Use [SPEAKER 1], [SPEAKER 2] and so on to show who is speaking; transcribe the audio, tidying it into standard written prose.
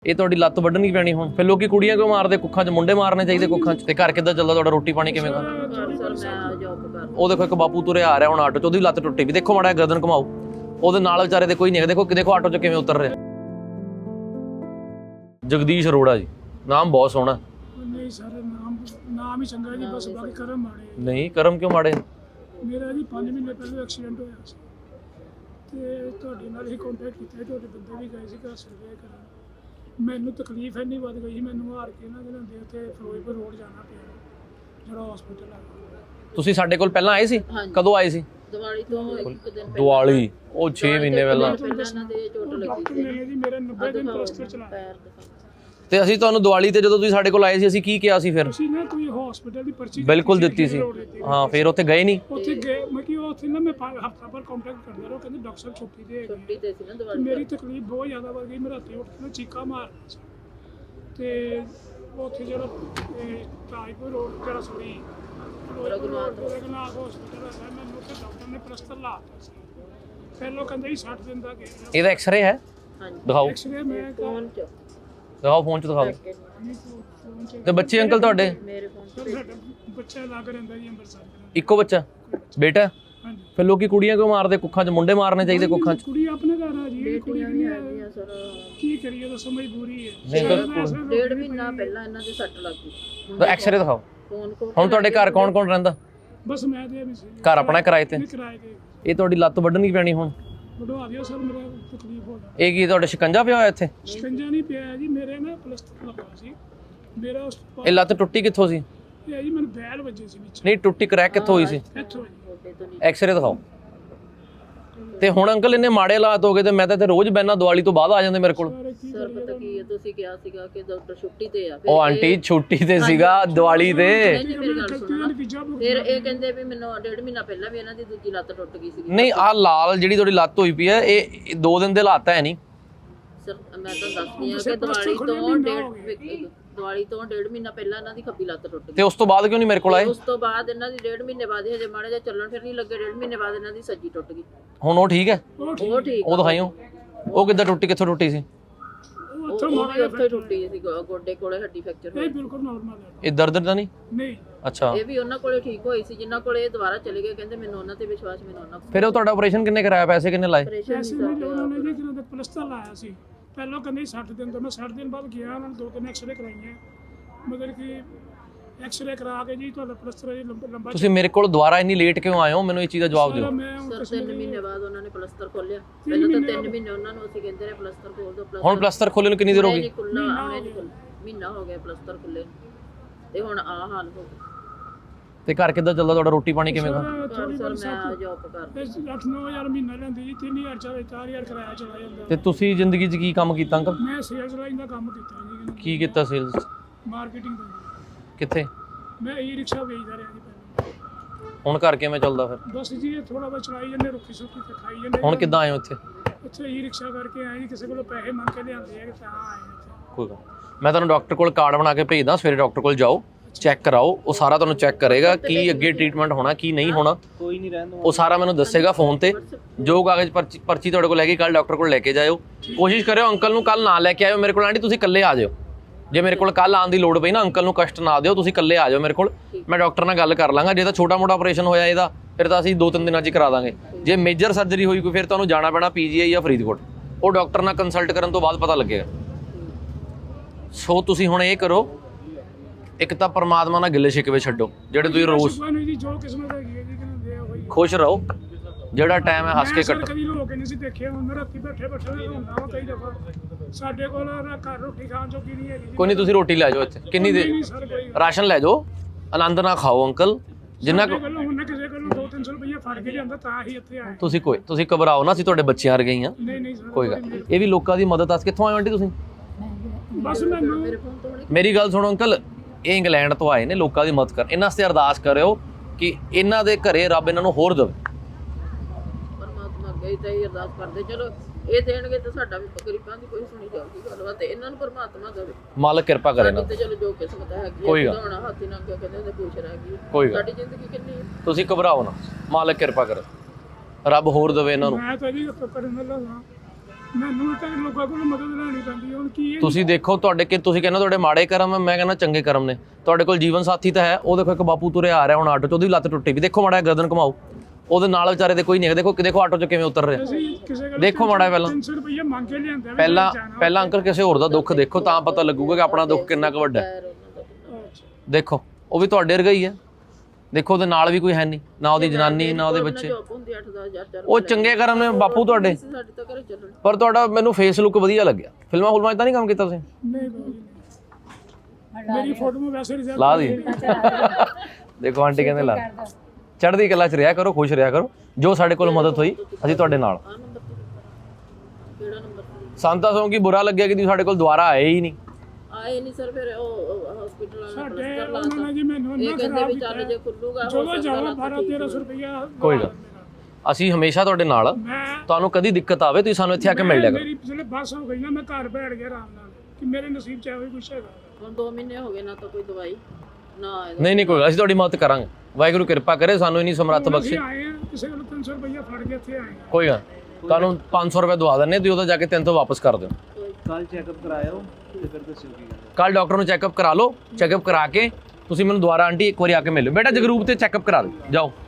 [SPEAKER 1] ਇਹ ਤੁਹਾਡੀ ਲੱਤ ਵੱਢਣੀ ਪੈਣੀ ਹੁਣ। ਫਿਰ ਲੋਕੀ ਕੁੜੀਆਂ ਕਿਉਂ ਮਾਰਦੇ ਕੁੱਖਾਂ 'ਚ, ਮੁੰਡੇ ਮਾਰਨੇ ਚਾਹੀਦੇ ਕੁੱਖਾਂ 'ਚ। ਤੇ ਘਰ ਕਿੱਦਾਂ ਚੱਲਦਾ ਤੁਹਾਡਾ, ਰੋਟੀ ਪਾਣੀ ਕਿਵੇਂ ਖਾਂਦੇ? ਉਹ ਦੇਖੋ ਇੱਕ ਬਾਪੂ ਤੁਰਿਆ ਆ ਰਿਹਾ ਹੁਣ ਆਟੋ 'ਚ, ਉਹਦੀ ਲੱਤ ਟੁੱਟੀ ਵੀ, ਦੇਖੋ ਮਾੜਾ ਗਰਦਨ ਘੁਮਾਓ, ਉਹਦੇ ਨਾਲ ਵਿਚਾਰੇ ਦੇ ਕੋਈ ਨਹੀਂ। ਦੇਖੋ ਆਟੋ 'ਚ ਕਿਵੇਂ ਉਤਰ ਰਿਹਾ। ਜਗਦੀਸ਼ ਅਰੋੜਾ ਜੀ, ਨਾਮ ਬਹੁਤ ਸੋਹਣਾ।
[SPEAKER 2] ਨਹੀਂ ਸਰ, ਨਾਮ ਹੀ ਚੰਗਾ ਜੀ, ਬਸ ਬਾਕੀ ਕਰਮ ਮਾੜੇ।
[SPEAKER 1] ਨਹੀਂ, ਕਰਮ ਕਿਉਂ ਮਾੜੇ?
[SPEAKER 2] ਮੇਰਾ ਜੀ 5 ਮਹੀਨੇ ਪਹਿਲਾਂ ਐਕਸੀਡੈਂਟ ਹੋਇਆ ਸੀ ਤੇ ਤੁਹਾਡੇ ਨਾਲ ਹੀ ਕੰਟੈਕਟ ਕੀਤਾ, ਤੁਹਾਡੇ ਬੰਦੇ ਵੀ ਗਏ ਸੀ ਘਰ ਸਰਵੇ ਕਰਨ। ਮੈਨੂੰ ਤਕਲੀਫ ਇੰਨੀ ਵੱਧ ਗਈ, ਮੈਨੂੰ ਹਾਰ ਕੇ ਨਾ ਦੇ ਉੱਤੇ ਫਿਰੋਜ਼ਪੁਰ ਰੋਡ ਜਾਣਾ ਪਿਆ, ਜਿਹੜਾ ਹਸਪੀਟਲ ਆ।
[SPEAKER 1] ਤੁਸੀਂ ਸਾਡੇ ਕੋਲ ਪਹਿਲਾਂ ਆਏ ਸੀ? ਕਦੋਂ ਆਏ ਸੀ?
[SPEAKER 3] ਦੀਵਾਲੀ ਤੋਂ ਇੱਕ ਦਿਨ
[SPEAKER 1] ਦੀਵਾਲੀ, ਉਹ 6 ਮਹੀਨੇ ਪਹਿਲਾਂ।
[SPEAKER 3] ਇਹਨਾਂ ਦੇ ਚੋਟ ਲੱਗੀ ਸੀ
[SPEAKER 2] ਜੀ, ਮੇਰੇ 90 ਦਿਨ ਪਲਸਟਰ ਚਲਾਇਆ।
[SPEAKER 1] ਤੇ ਅਸੀਂ ਤੁਹਾਨੂੰ ਦੀਵਾਲੀ ਤੇ ਜਦੋਂ ਤੁਸੀਂ ਸਾਡੇ ਕੋਲ ਆਏ ਸੀ, ਅਸੀਂ ਕੀ ਕਿਹਾ ਸੀ ਫਿਰ?
[SPEAKER 2] ਅਸੀਂ ਨਾ ਕੋਈ ਹਸਪੀਟਲ ਦੀ ਪਰਚੀ
[SPEAKER 1] ਬਿਲਕੁਲ ਦਿੱਤੀ ਸੀ। ਹਾਂ, ਫਿਰ ਉੱਥੇ ਗਏ ਨਹੀਂ?
[SPEAKER 2] ਉੱਥੇ ਗਏ, ਮੈਂ ਕਿ ਉੱਥੇ ਨਾ ਮੈਂ ਹਫਤਾ ਭਰ ਕੰਟੈਕਟ ਕਰਦਾ ਰਿਹਾ, ਕਹਿੰਦੇ ਡਾਕਟਰ ਸਾਹਿਬ ਛੁੱਟੀ ਤੇ
[SPEAKER 3] ਸੀ ਨਾ ਦੀਵਾਲੀ।
[SPEAKER 2] ਮੇਰੀ ਤਕਲੀਫ ਬਹੁਤ ਜ਼ਿਆਦਾ ਵੱਧ ਗਈ, ਮੈਂ ਰਾਤੀ ਉੱਠ ਕੇ ਚੀਕਾਂ ਮਾਰਦਾ ਸੀ। ਤੇ ਉੱਥੇ ਜਿਹੜਾ ਤਾਜਪੁਰ ਰੋਡ ਜਿਹੜਾ ਸੋਰੀ ਰਘੁਨਾਥ ਹਸਪੀਟਲ ਹੈ, ਮੈਨੂੰ ਉੱਥੇ ਡਾਕਟਰ ਨੇ ਪਲਸਤਰ ਲਾ ਦਿੱਤਾ ਸੀ। ਪਹਿਲਾਂ ਕਹਿੰਦੇ ਸੀ 60 ਦਿਨ ਦਾ ਗੇੜ।
[SPEAKER 1] ਇਹਦਾ ਐਕਸ-ਰੇ ਹੈ? ਦਿਖਾਓ।
[SPEAKER 2] ਐਕਸ-ਰੇ ਮੈਂ
[SPEAKER 3] ਫੋਨ ਚ
[SPEAKER 1] ਦਿਖਾਓ, ਫੋਨ 'ਚ ਦਿਖਾਓ। ਤੇ ਬੱਚੇ ਅੰਕਲ ਤੁਹਾਡੇ?
[SPEAKER 3] ਮੇਰੇ ਫੋਨ
[SPEAKER 2] ਸਾਡਾ ਬੱਚਾ ਲੱਗ ਰਹਿੰਦਾ ਜੀ ਅੰਮ੍ਰਿਤਸਰ।
[SPEAKER 1] ਇੱਕੋ ਬੱਚਾ ਬੇਟਾ?
[SPEAKER 2] ਹਾਂਜੀ।
[SPEAKER 1] ਫਿਰ ਲੋਕੀ ਕੁੜੀਆਂ ਕਿਉਂ ਮਾਰਦੇ ਕੁੱਖਾਂ 'ਚ, ਮੁੰਡੇ ਮਾਰਨੇ ਚਾਹੀਦੇ ਕੁੱਖਾਂ 'ਚ।
[SPEAKER 2] ਕੁੜੀ ਆਪਣੇ ਘਰ ਆ ਜੀ, ਕੁੜੀ
[SPEAKER 3] ਨਹੀਂ ਹੈਗੀਆਂ ਸਰ।
[SPEAKER 2] ਕੀ ਕਰੀਏ, ਦੱਸੋ ਮਜਬੂਰੀ ਹੈ।
[SPEAKER 3] ਡੇਢ ਮਹੀਨਾ ਪਹਿਲਾਂ ਇਹਨਾਂ ਦੇ ਸੱਟ ਲੱਗ ਗਈ।
[SPEAKER 1] ਤਾਂ ਐਕਸ-ਰੇ ਦਿਖਾਓ।
[SPEAKER 3] ਫੋਨ ਕੋ
[SPEAKER 1] ਹੁਣ ਤੁਹਾਡੇ ਘਰ ਕੌਣ ਕੌਣ ਰਹਿੰਦਾ?
[SPEAKER 2] ਬਸ ਮੈਂ ਤੇ ਵੀ ਸੀ
[SPEAKER 1] ਘਰ ਆਪਣਾ ਕਿਰਾਏ ਤੇ?
[SPEAKER 2] ਕਿਰਾਏ ਤੇ।
[SPEAKER 1] ਇਹ ਤੁਹਾਡੀ ਲੱਤ ਵੱਢਣੀ ਪੈਣੀ ਹੁਣ।
[SPEAKER 2] ਵਡਵਾ ਦਿਓ ਸਰ, ਮੇਰਾ ਤਕਲੀਫ ਹੋ ਗਿਆ।
[SPEAKER 1] ਇਹ ਕੀ ਤੁਹਾਡੇ ਸ਼ਿਕੰਜਾ ਪਿਆ ਹੋਇਆ ਇੱਥੇ?
[SPEAKER 2] ਸ਼ਿਕੰਜਾ ਨਹੀਂ ਪਿਆ ਜੀ, ਮੇਰੇ ਨਾ ਪਲਸਤਰ ਲੱਗਾ ਸੀ ਮੇਰਾ। ਉਸ
[SPEAKER 1] ਇਹ ਲੱਤ ਟੁੱਟੀ ਕਿੱਥੋਂ ਸੀ?
[SPEAKER 2] ਇਹ ਜੀ ਮੈਨੂੰ ਬੈਲ ਵੱਜੀ ਸੀ ਵਿੱਚ।
[SPEAKER 1] ਨਹੀਂ, ਟੁੱਟੀ ਕਰੈਕ ਕਿੱਥੋਂ ਹੋਈ ਸੀ?
[SPEAKER 2] ਇੱਥੋਂ ਜੀ।
[SPEAKER 3] ਗੋਡੇ ਤੋਂ ਨਹੀਂ।
[SPEAKER 1] ਐਕਸ-ਰੇ ਦਿਖਾਓ। ਤੇ ਹੁਣ ਅੰਕਲ ਇੰਨੇ ਮਾੜੇ ਹਾਲਾਤ ਹੋ ਗਏ ਤੇ ਮੈਂ ਤਾਂ ਇੱਥੇ ਰੋਜ਼ ਬੈਨਾ, ਦੀਵਾਲੀ ਤੋਂ ਬਾਅਦ ਆ ਜਾਂਦੇ ਮੇਰੇ ਕੋਲ।
[SPEAKER 3] ਸਰ ਪਤਾ ਕੀ ਹੈ, ਤੁਸੀਂ ਕਿਹਾ ਸੀਗਾ ਕਿ ਡਾਕਟਰ ਛੁੱਟੀ ਤੇ ਆ।
[SPEAKER 1] ਉਹ ਆਂਟੀ ਛੁੱਟੀ ਤੇ ਸੀਗਾ ਦੀਵਾਲੀ ਤੇ।
[SPEAKER 3] ਨਹੀਂ ਮੇਰੀ ਗੱਲ ਸੁਣੋ। ਫਿਰ ਇਹ ਕਹਿੰਦੇ ਵੀ ਮੈਨੂੰ ਡੇਢ ਮਹੀਨਾ ਪਹਿਲਾਂ ਵੀ ਇਹਨਾਂ ਦੀ ਦੂਜੀ ਲੱਤ ਟੁੱਟ ਗਈ ਸੀ।
[SPEAKER 1] ਨਹੀਂ, ਆਹ ਲਾਲ ਜਿਹੜੀ ਤੁਹਾਡੀ ਲੱਤ ਹੋਈ ਪਈ ਹੈ, ਇਹ 2 ਦਿਨ ਦੇ ਹਾਲਾਤ ਹੈ ਨਹੀਂ।
[SPEAKER 3] ਸਰ ਮੈਂ ਤਾਂ ਦੱਸਦੀ ਹਾਂ ਕਿ ਦੀਵਾਲੀ ਤੋਂ ਡੇਢ ਮਹੀਨਾ ਪਹਿਲਾਂ ਇਹਨਾਂ ਦੀ ਖੱਬੀ ਲੱਤ ਟੁੱਟ ਗਈ।
[SPEAKER 1] ਤੇ ਉਸ ਤੋਂ ਬਾਅਦ ਕਿਉਂ ਨਹੀਂ ਮੇਰੇ ਕੋਲ ਆਏ?
[SPEAKER 3] ਉਸ ਤੋਂ ਬਾਅਦ ਇਹਨਾਂ ਦੀ ਡੇਢ ਮਹੀਨੇ ਬਾਅਦ ਹਜੇ ਮਾੜੇ ਜਿਹਾ ਚੱਲਣ ਫਿਰ ਨਹੀਂ ਲੱਗੇ, ਡੇਢ ਮਹੀਨੇ ਬਾਅਦ ਇਹਨਾਂ ਦੀ ਸੱਜੀ ਟੁੱਟ ਗਈ।
[SPEAKER 1] ਹੁਣ ਉਹ ਠੀਕ ਹੈ?
[SPEAKER 3] ਉਹ ਠੀਕ।
[SPEAKER 1] ਉਹ ਦਿਖਾਈਓ, ਉਹ ਕਿੱਦਾਂ ਟੁੱਟੀ, ਕਿੱਥੋਂ ਟੁੱਟੀ ਸੀ?
[SPEAKER 3] ਉਹ ਵੀ ਉੱਥੇ ਟੁੱਟੀ ਸੀ, ਗੋਡੇ ਕੋਲੇ ਹੱਡੀ ਫ੍ਰੈਕਚਰ ਹੋਈ।
[SPEAKER 2] ਇਹ ਬਿਲਕੁਲ ਨਾਰਮਲ ਹੈ।
[SPEAKER 1] ਇਹ ਦਰਦ ਤਾਂ ਨਹੀਂ?
[SPEAKER 2] ਨਹੀਂ।
[SPEAKER 1] ਅੱਛਾ।
[SPEAKER 3] ਇਹ ਵੀ ਉਹਨਾਂ ਕੋਲੇ ਠੀਕ ਹੋਈ ਸੀ ਜਿਨ੍ਹਾਂ ਕੋਲੇ ਇਹ ਦੁਬਾਰਾ ਚਲੇ ਗਏ, ਕਹਿੰਦੇ ਮੈਨੂੰ ਉਹਨਾਂ ਤੇ ਵਿਸ਼ਵਾਸ, ਮੈਨੂੰ ਉਹਨਾਂ
[SPEAKER 1] ਫਿਰ ਉਹ ਤੁਹਾਡਾ ਆਪਰੇਸ਼ਨ ਕਿੰਨੇ ਕਰਾਇਆ, ਪੈਸੇ ਕਿੰਨੇ ਲਾਏ?
[SPEAKER 2] ਪੈਸੇ ਨਹੀਂ ਉਹਨਾਂ ਨੇ ਜੀ, ਕਿਨਾਂ ਦਾ ਪਲਸਤਰ ਲਾਇਆ ਸੀ। ਪਹਿਲਾਂ ਕਹਿੰਦੇ 60 ਦਿਨ ਦਾ, ਮੈਂ 60 ਦਿਨ ਬਾਅਦ ਗਿਆ, ਉਹਨਾਂ ਨੇ 2-3 ਐਕਸਰੇ ਕਰਾਈਆਂ। ਮਤਲਬ ਕਿ ਐਕਸਰੇ ਕਰਾ ਕੇ ਜੀ ਤੁਹਾਡਾ ਪਲਸਤਰ ਜੀ ਲੰਬਾ।
[SPEAKER 1] ਤੁਸੀਂ ਮੇਰੇ ਕੋਲ ਦੁਬਾਰਾ ਇੰਨੀ ਲੇਟ ਕਿਉਂ ਆਏ ਹੋ, ਮੈਨੂੰ ਇਹ ਚੀਜ਼ ਦਾ ਜਵਾਬ ਦਿਓ।
[SPEAKER 3] ਸਰ 3 ਮਹੀਨੇ ਬਾਅਦ ਉਹਨਾਂ ਨੇ ਪਲਸਤਰ ਖੋਲਿਆ। ਪਹਿਲਾਂ ਤਾਂ 3 ਮਹੀਨੇ ਉਹਨਾਂ ਨੂੰ ਅਸੀਂ ਕਹਿੰਦੇ ਰਹੇ ਪਲਸਤਰ ਖੋਲ ਦਿਓ।
[SPEAKER 1] ਹੁਣ ਪਲਸਤਰ ਖੋਲ੍ਹੇ ਨੂੰ ਕਿੰਨੀ ਦੇਰ ਹੋ ਗਈ?
[SPEAKER 3] ਮਹੀਨਾ ਹੋ ਗਿਆ ਪਲਸਤਰ ਖੁੱਲੇ ਤੇ ਹੁਣ ਆ ਹਾਲ ਹੋ ਗਿਆ।
[SPEAKER 1] ਤੇ ਘਰ ਕਿੱਦਾਂ ਚੱਲਦਾ ਤੁਹਾਡਾ, ਰੋਟੀ ਪਾਣੀ ਕਿਵੇਂ ਖਾਂਦੇ?
[SPEAKER 3] ਸਰ ਮੈਂ ਜੌਬ ਕਰਦਾ।
[SPEAKER 2] 8-9 ਹਜ਼ਾਰ ਮਹੀਨਾ ਲੈਂਦੀ ਜੀ, 3000 4,000 ਕਿਰਾਇਆ ਚਲਾ ਜਾਂਦਾ।
[SPEAKER 1] ਤੇ ਤੁਸੀਂ ਜ਼ਿੰਦਗੀ 'ਚ ਕੀ ਕੰਮ ਕੀਤਾ ਅੰਕਲ?
[SPEAKER 2] ਮੈਂ ਸੇਲਸ ਲਾਈਨ ਦਾ ਕੰਮ ਕੀਤਾ ਜੀ।
[SPEAKER 1] ਕੀ ਕੀਤਾ ਸੇਲਸ?
[SPEAKER 2] ਮਾਰਕੀਟਿੰਗ ਦਾ।
[SPEAKER 1] ਕਿੱਥੇ?
[SPEAKER 2] ਮੈਂ ਰਿਕਸ਼ਾ ਵੇਚਦਾ ਰਿਹਾ ਜੀ ਪਹਿਲਾਂ।
[SPEAKER 1] ਹੁਣ ਘਰ ਕਿਵੇਂ ਚੱਲਦਾ ਫਿਰ?
[SPEAKER 2] ਬਸ ਜੀ ਇਹ ਥੋੜਾ ਬਹੁਤ ਚਲਾਈ ਜਾਂਦੇ, ਰੁੱਖੀ ਸੁੱਕੀ ਤੇ ਖਾਈ ਜਾਂਦੇ।
[SPEAKER 1] ਹੁਣ ਕਿੱਦਾਂ ਆਏ ਹੋ ਇੱਥੇ?
[SPEAKER 2] ਇੱਥੇ ਰਿਕਸ਼ਾ ਕਰਕੇ ਆਏ ਜੀ, ਕਿਸੇ ਕੋਲੋਂ ਪੈਸੇ ਮੰਗ ਕੇ ਲਿਆਂਦੇ ਆ ਕਿ ਤਾਂ ਆਏ ਇੱਥੇ।
[SPEAKER 1] ਕੋਈ ਗੱਲ, ਮੈਂ ਤੁਹਾਨੂੰ ਡਾਕਟਰ ਕੋਲ ਕਾਰਡ ਬਣਾ ਕੇ ਭੇਜਦਾ, ਸਵੇਰੇ ਡਾਕਟਰ ਕੋਲ ਜਾਓ, ਚੈੱਕ ਕਰਾਓ, ਉਹ ਸਾਰਾ ਤੁਹਾਨੂੰ ਚੈੱਕ ਕਰੇਗਾ ਕੀ ਅੱਗੇ ਟ੍ਰੀਟਮੈਂਟ ਹੋਣਾ ਕੀ ਨਹੀਂ ਹੋਣਾ।
[SPEAKER 4] ਕੋਈ ਨਹੀਂ ਰਹਿਣ
[SPEAKER 1] ਉਹ ਸਾਰਾ ਮੈਨੂੰ ਦੱਸੇਗਾ ਫੋਨ ਤੇ। ਜੋ ਕਾਗਜ਼ ਪਰਚੀ ਤੁਹਾਡੇ ਕੋਲ ਲੈ ਕੇ ਕੱਲ ਡਾਕਟਰ ਕੋਲ ਲੈ ਕੇ ਜਾਇਓ। ਕੋਸ਼ਿਸ਼ ਕਰਿਓ ਅੰਕਲ ਨੂੰ ਕੱਲ ਨਾ ਲੈ ਕੇ ਆਇਓ ਮੇਰੇ ਕੋਲ। ਆਂਟੀ ਤੁਸੀਂ ਇਕੱਲੇ ਆ ਜਾਇਓ, ਜੇ ਮੇਰੇ ਕੋਲ ਕੱਲ ਆਉਣ ਦੀ ਲੋੜ ਪਈ ਨਾ, ਅੰਕਲ ਨੂੰ ਕਸ਼ਟ ਨਾ ਦਿਓ, ਤੁਸੀਂ ਇਕੱਲੇ ਆ ਜਾਓ ਮੇਰੇ ਕੋਲ। ਮੈਂ ਡਾਕਟਰ ਨਾਲ ਗੱਲ ਕਰ ਲਾਂਗਾ। ਜੇ ਤਾਂ ਛੋਟਾ ਮੋਟਾ ਆਪਰੇਸ਼ਨ ਹੋਇਆ ਇਹਦਾ, ਫਿਰ ਤਾਂ ਅਸੀਂ 2-3 ਦਿਨਾਂ 'ਚ ਹੀ ਕਰਾ ਦਾਂਗੇ। ਜੇ ਮੇਜਰ ਸਰਜਰੀ ਹੋਈ ਕੋਈ, ਫਿਰ ਤੁਹਾਨੂੰ ਜਾਣਾ ਪੈਣਾ PGI ਜਾਂ ਫਰੀਦਕੋਟ। ਉਹ ਡਾਕਟਰ ਨਾਲ ਕੰਸਲਟ ਕਰਨ ਤੋਂ ਬਾਅਦ ਪਤਾ ਲੱਗੇਗਾ। ਸੋ ਤੁਸੀਂ ਹੁਣ ਇਹ ਕਰੋ, ਇੱਕ ਤਾਂ ਪਰਮਾਤਮਾ ਨਾਲ ਗਿਲੇ ਸ਼ਿਕਵੇ ਛੱਡੋ ਜਿਹੜੇ ਤੁਸੀਂ ਰੋਜ਼।
[SPEAKER 2] ਜੋ ਕਿਸਮਤ ਹੈਗੀ ਹੈ ਜੀ, ਕਹਿੰਦੇ ਹੋਈ
[SPEAKER 1] ਖੁਸ਼ ਰਹੋ, ਜਿਹੜਾ ਟਾਈਮ ਹੈ ਹੱਸ ਕੇ ਕੱਟੋ।
[SPEAKER 2] ਕਦੀ ਲੋਕ ਨਹੀਂ ਸੀ ਦੇਖੇ, ਹੁਣ ਰਾਤੀ ਬੈਠੇ ਹੁੰਦਾ ਵਾ ਕਈ ਦਫਾ। ਸਾਡੇ ਕੋਲ ਘਰ ਰੋਟੀ ਖਾਣ ਜੋਗੀ ਨਹੀਂ ਹੈਗੀ।
[SPEAKER 1] ਕੋਈ ਨਹੀਂ, ਤੁਸੀਂ ਰੋਟੀ ਲੈ ਜਾਓ ਇੱਥੇ। ਕਿੰਨੀ ਦੇ ਰਾਸ਼ਨ ਲੈ ਜਾਓ, ਆਨੰਦ ਨਾਲ ਖਾਓ ਅੰਕਲ। ਜਿੰਨਾ
[SPEAKER 2] ਹੁਣ ਕਿਸੇ ਕੋਲ 200-300 ਰੁਪਏ ਫੜ ਕੇ ਜਾਂਦਾ ਤਾਂ ਹੀ ਇੱਥੇ ਆਏ।
[SPEAKER 1] ਤੁਸੀਂ ਘਬਰਾਓ ਨਾ, ਅਸੀਂ ਤੁਹਾਡੇ ਬੱਚਿਆਂ ਵਰਗੇ ਹੀ ਆ।
[SPEAKER 2] ਨਹੀਂ ਸਰ,
[SPEAKER 1] ਕੋਈ ਗੱਲ, ਇਹ ਵੀ ਲੋਕਾਂ ਦੀ ਮਦਦ ਆਸ। ਕਿੱਥੋਂ ਆਏ ਆਂਟੀ ਤੁਸੀਂ?
[SPEAKER 2] ਬਸ ਮੈਨੂੰ
[SPEAKER 1] ਮੇਰੀ ਗੱਲ ਸੁਣੋ ਅੰਕਲ, ਇਹ ਇੰਗਲੈਂਡ ਤੋਂ ਆਏ ਨੇ, ਲੋਕਾਂ ਦੀ ਮਦਦ ਕਰ। ਇਹਨਾਂ ਵਾਸਤੇ ਅਰਦਾਸ ਕਰਿਓ ਕਿ ਇਹਨਾਂ ਦੇ ਘਰੇ ਰੱਬ ਇਹਨਾਂ ਨੂੰ ਹੋਰ ਦੇਵੇ।
[SPEAKER 3] ਪਰਮਾਤਮਾ ਅੱਗੇ ਤਾਂ ਹੀ ਅਰਦਾਸ ਕਰਦੇ, ਚਲੋ ਇਹ ਦੇਣਗੇ ਤਾਂ ਸਾਡਾ ਵੀ ਗਰੀਬਾਂ ਦੀ ਕੋਈ ਸੁਣੀ ਜਾਊਗੀ ਗੱਲਬਾਤ, ਤੇ ਇਹਨਾਂ ਨੂੰ ਪਰਮਾਤਮਾ ਦੇਵੇ,
[SPEAKER 1] ਮਾਲਕ ਕਿਰਪਾ ਕਰੇ ਨਾ।
[SPEAKER 3] ਤੇ ਚਲੋ ਜੋ ਕਿਸਮਤ ਹੈਗੀ
[SPEAKER 1] ਕੋਈ
[SPEAKER 3] ਹੈ,
[SPEAKER 1] ਗੱਲ
[SPEAKER 3] ਹੁਣ ਹਾਥੀ ਨਾਲ ਕਿਉਂ ਕਹਿੰਦੇ ਹੁੰਦੇ ਪੁੱਛ ਰਹਿ ਗਈ।
[SPEAKER 1] ਕੋਈ ਗੱਲ,
[SPEAKER 3] ਸਾਡੀ ਜ਼ਿੰਦਗੀ ਕਿੰਨੀ ਹੈ।
[SPEAKER 1] ਤੁਸੀਂ ਘਬਰਾਓ ਨਾ, ਮਾਲਕ ਕਿਰਪਾ ਕਰੇ, ਰੱਬ ਹੋਰ ਦੇਵੇ ਇਹਨਾਂ ਨੂੰ।
[SPEAKER 2] ਮੈਂ ਤਾਂ ਜੀ ਕਰਨ ਲੱਗਾ ਮੈਨੂੰ ਤਾਂ ਲੋਕਾਂ ਕੋਲ ਮਦਦ ਲੈਣੀ ਪੈਂਦੀ ਹੈ। ਹੁਣ ਕੀ
[SPEAKER 1] ਤੁਸੀਂ ਦੇਖੋ ਤੁਹਾਡੇ ਕਿ ਤੁਸੀਂ ਕਹਿੰਦੇ ਤੁਹਾਡੇ ਮਾੜੇ ਕਰਮ ਹੈ, ਮੈਂ ਕਹਿੰਦਾ ਚੰਗੇ ਕਰਮ ਨੇ। ਤੁਹਾਡੇ ਕੋਲ ਜੀਵਨ ਸਾਥੀ ਤਾਂ ਹੈ। ਉਹ ਦੇਖੋ ਇੱਕ ਬਾਪੂ ਤੁਰੇ ਆ ਰਿਹਾ ਹੁਣ ਆਟੋ 'ਚ, ਉਹਦੀ ਲੱਤ ਟੁੱਟੀ ਵੀ, ਦੇਖੋ ਮਾੜਾ ਗਰਦਨ ਘੁਮਾਓ, ਉਹਦੇ ਨਾਲ ਵਿਚਾਰੇ ਦੇ ਕੋਈ ਨਹੀਂ ਹੈਗਾ। ਦੇਖੋ ਆਟੋ 'ਚ ਕਿਵੇਂ ਉਤਰ ਰਿਹਾ,
[SPEAKER 2] ਅਸੀਂ ਕਿਸੇ ਕੋਲ
[SPEAKER 1] ਦੇਖੋ ਮਾੜਾ ਪਹਿਲਾਂ
[SPEAKER 2] 300 ਰੁਪਏ ਮੰਗ ਕੇ ਲਿਆਂਦਾ
[SPEAKER 1] ਪਹਿਲਾਂ ਅੰਕਲ ਕਿਸੇ ਹੋਰ ਦਾ ਦੁੱਖ ਦੇਖੋ, ਤਾਂ ਪਤਾ ਲੱਗੂਗਾ ਕਿ ਆਪਣਾ ਦੁੱਖ ਕਿੰਨਾ ਕੁ ਵੱਡਾ ਹੈ। ਦੇਖੋ ਉਹ ਵੀ ਤੁਹਾਡੇ ਵਰਗਾ ਹੀ ਹੈ। ਦੇਖੋ ਉਹਦੇ ਨਾਲ ਵੀ ਕੋਈ ਹੈ ਨਹੀਂ, ਨਾ ਉਹਦੀ ਜਨਾਨੀ ਨਾ ਉਹਦੇ ਬੱਚੇ। ਉਹ ਚੰਗੇ ਕਰਮ ਨੇ ਬਾਪੂ ਤੁਹਾਡੇ,
[SPEAKER 3] ਸਾਡੇ ਤਾਂ ਘਰੇ ਚੱਲਣ।
[SPEAKER 1] ਪਰ ਤੁਹਾਡਾ ਮੈਨੂੰ ਫੇਸ ਲੁੱਕ ਵਧੀਆ ਲੱਗਿਆ। ਫਿਲਮਾਂ ਫੁਲਮਾਂ 'ਚ ਤਾਂ ਨਹੀਂ ਕੰਮ ਕੀਤਾ ਤੁਸੀਂ?
[SPEAKER 2] ਨਹੀਂ ਬਾਬਾ ਜੀ, ਮੇਰੀ ਫੋਟੋ ਮੈਂ ਵੈਸੇ ਰਿਜ਼ਰਵ
[SPEAKER 1] ਲਾ ਦੀ। ਦੇਖੋ ਆਂਟੀ ਕਹਿੰਦੇ ਲਾ, ਚੜ੍ਹਦੀ ਕਲਾ 'ਚ ਰਿਹਾ ਕਰੋ, ਖੁਸ਼ ਰਿਹਾ ਕਰੋ। ਜੋ ਸਾਡੇ ਕੋਲ ਮਦਦ ਹੋਈ ਅਸੀਂ ਤੁਹਾਡੇ ਨਾਲ।
[SPEAKER 3] ਕਿਹੜਾ ਨੰਬਰ
[SPEAKER 1] ਸਾਨੂੰ ਤਾਂ ਸਗੋਂ ਕਿ ਬੁਰਾ ਲੱਗਿਆ ਕਿ ਤੁਸੀਂ ਸਾਡੇ ਕੋਲ ਦੁਬਾਰਾ ਆਏ ਹੀ ਨਹੀਂ।
[SPEAKER 3] ਆਏ ਨਹੀਂ ਸਰ, ਫਿਰ ਉਹ ਹਸਪੀਟਲ ਵਾਲਾ
[SPEAKER 2] ਸਾਡੇ
[SPEAKER 3] ਪਲਸਟਰ
[SPEAKER 2] ਉਹਨਾਂ ਨੇ ਜੀ ਮੈਨੂੰ
[SPEAKER 3] ਇਹ
[SPEAKER 2] ਇੰਨਾ
[SPEAKER 3] ਕਹਿੰਦੇ
[SPEAKER 2] ਖਰਾਬ
[SPEAKER 3] ਵੀ
[SPEAKER 2] ਕੀਤਾ
[SPEAKER 3] ਚੱਲ ਜੇ ਖੁੱਲੂਗਾ
[SPEAKER 2] ਜਦੋਂ ਜਾਵਾਂ 12-1300 ਰੁਪਇਆ
[SPEAKER 1] ਕੋਈ ਗੱਲ, ਅਸੀਂ ਹਮੇਸ਼ਾ ਤੁਹਾਡੇ ਨਾਲ ਆ।
[SPEAKER 2] ਮੈਂ
[SPEAKER 1] ਤੁਹਾਨੂੰ ਕਦੀ ਦਿੱਕਤ ਆਵੇ ਤੁਸੀਂ ਸਾਨੂੰ ਇੱਥੇ ਆ ਕੇ ਮਿਲ ਲਿਆ ਕਰੋ।
[SPEAKER 2] ਮੇਰੀ ਪਿਛਲੇ ਬੱਸ ਹੋ ਗਈ ਨਾ, ਮੈਂ ਘਰ ਬੈਠ ਗਿਆ ਆਰਾਮ ਨਾਲ ਕਿ ਮੇਰੇ ਨਸੀਬ ਚ ਐਵੇਂ ਕੁਛ ਹੈਗਾ।
[SPEAKER 3] ਹੁਣ 2 ਮਹੀਨੇ ਹੋ ਗਏ ਨਾ ਤਾਂ ਕੋਈ ਦਵਾਈ ਨਾ ਆਏ।
[SPEAKER 1] ਨਹੀਂ ਕੋਈ ਗੱਲ, ਅਸੀਂ ਤੁਹਾਡੀ ਮਦਦ ਕਰਾਂਗੇ। ਵਾਹਿਗੁਰੂ ਕਿਰਪਾ ਕਰੇ, ਸਾਨੂੰ ਇੰਨੀ ਸਮਰੱਥ
[SPEAKER 2] ਅਸੀਂ
[SPEAKER 1] ਬਖਸ਼ੇ।
[SPEAKER 2] ਆਏ ਆ ਕਿਸੇ ਕੋਲ 300 ਰੁਪਇਆ ਫੜ ਕੇ ਇੱਥੇ ਆਏ ਆ।
[SPEAKER 1] ਕੋਈ ਗੱਲ, ਤੁਹਾਨੂੰ 500 ਰੁਪਏ ਦਵਾ ਦਿੰਦੇ, ਤੁਸੀਂ ਉਹਦਾ ਜਾ ਕੇ 300 ਵਾਪਸ ਕਰ ਦਿਓ।
[SPEAKER 4] ਕੱਲ ਚੈੱਕਅਪ ਕਰਾਇਓ ਤੇ ਫਿਰ ਦੱਸਿਓ ਕੀ ਗੱਲ।
[SPEAKER 1] ਕੱਲ ਡਾਕਟਰ ਨੂੰ ਚੈੱਕਅਪ ਕਰਾ ਲਓ। ਚੈੱਕਅਪ ਕਰਾ ਕੇ ਤੁਸੀਂ ਮੈਨੂੰ ਦੁਬਾਰਾ ਆਂਟੀ ਇੱਕ ਵਾਰੀ ਆ ਕੇ ਮਿਲੋ। ਬੇਟਾ ਜਗਰੂਪ ਤੇ ਚੈੱਕਅਪ ਕਰਾ ਦਿਓ, ਜਾਓ।